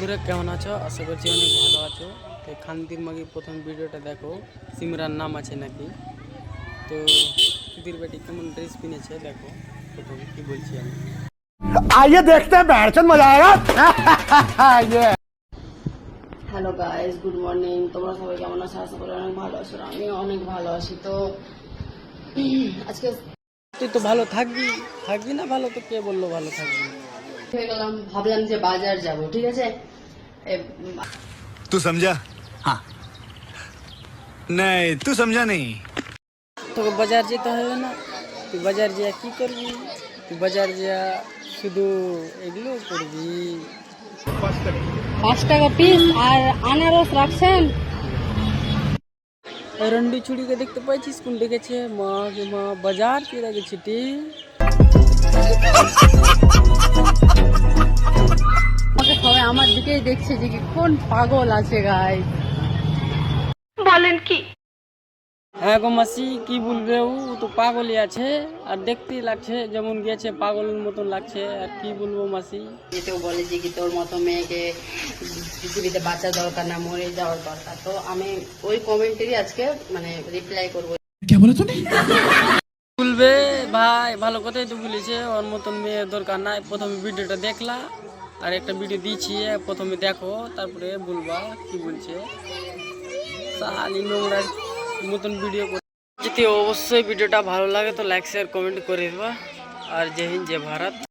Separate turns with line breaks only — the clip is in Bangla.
বন্ধুরা কেমন আছো? আশা করছি অনেক ভালো আছো। তো খান্তির মাগি প্রথম ভিডিওটা দেখো, সিমরান নাম আছে নাকি। তো সুধীর বেটি কেমন ড্রেস কিনেছে দেখো, প্রথম কি বলছি আমি।
आइए देखते हैं बैठचंद मजा आएगा। ये
হ্যালো গাইস, গুড মর্নিং। তোমরা সবাই কেমন আছো? আশা করি অনেক ভালো আছো। আমি অনেক ভালো আছি। তো আজকে
তুই তো ভালো থাকবি থাকবি না, ভালো তো কে বললো ভালো থাকবি।
হয়ে গেলাম, ভাবলাম যে বাজার যাব, ঠিক আছে।
तू समझा? हाँ नहीं, तू समझा नहीं।
তোকে বাজার যেতে হবে না, তুই বাজার যা কি করবি? তুই বাজার যা শুধু এগুলো করবি।
5 টাকা পিস আর আনারস রাখছেন।
রন্ডি চুড়িকে দেখতে পাইছিস কোন ডেকেছে? মা গে মা, বাজার চলে গেছে টি।
আমাকে সবাই আমার দিকেই দেখছে যে কি কোন পাগল আছে গাই। বলেন কি?
হ্যাঁ গো মাসি, কি বলবে, ও তো পাগলই আছে আর দেখতেই লাগছে যেমন গেছে পাগলের মতন লাগছে। আর কি বলবো মাসি,
যেতেও বলে যে কি তোর মতো মেয়েকে পৃথিবীতে বাঁচা দরকার না, মরে যাওয়ার দরকার। তো আমি ওই কমেন্টেরই আজকে মানে রিপ্লাই করবো।
বলবে ভাই ভালো কথাই তো বলেছে, ওর মতন মেয়ের দরকার নাই। প্রথমে ভিডিওটা দেখলা আর একটা ভিডিও দিচ্ছি, প্রথমে দেখো তারপরে বলবা কি বলছে। সালি নোংরার মতন ভিডিও যদি অবশ্যই ভিডিওটা ভালো লাগে তো লাইক শেয়ার কমেন্ট করে দেবা। আর জয় হিন্দ, জয় ভারত।